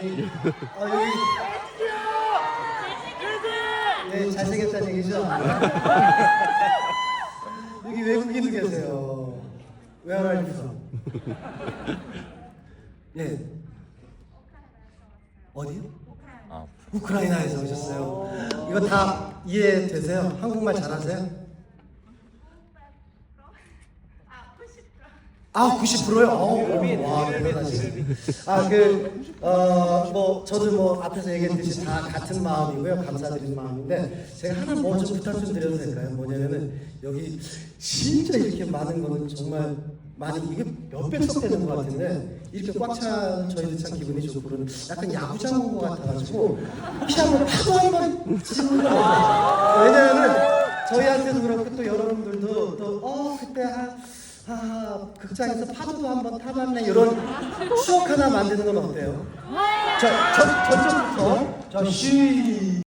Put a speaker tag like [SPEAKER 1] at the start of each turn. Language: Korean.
[SPEAKER 1] 여기 네, 잘생겼다는 얘기죠? 여기 외국인도 계세요. Where are you from? 네. 어디요? 우크라이나에서 오셨어요. 이거 다 이해되세요? 한국말 잘하세요? 90%요? 와, 대단하시네. 저도 뭐 앞에서 얘기했듯이 다 같은 마음이고요. 감사드리는 마음인데, 제가 하나 뭐 좀 부탁 좀 드려도 될까요? 뭐냐면은, 여기 진짜 이렇게 많은 거는 정말 많이, 이게 몇 백석 되는 것 같은데, 이렇게 꽉 찬 저희도 참 기분이 좋고, 그런 약간 야구장 온 것 같아가지고, 혹시 한번 파도 한번 치고, 왜냐면은, 저희한테도 그렇고, 또 여러분들도 또, 그때 극장에서 파도도 한번 타봤네 이런 추억 하나 만드는 건 어때요? 자, 저쪽부터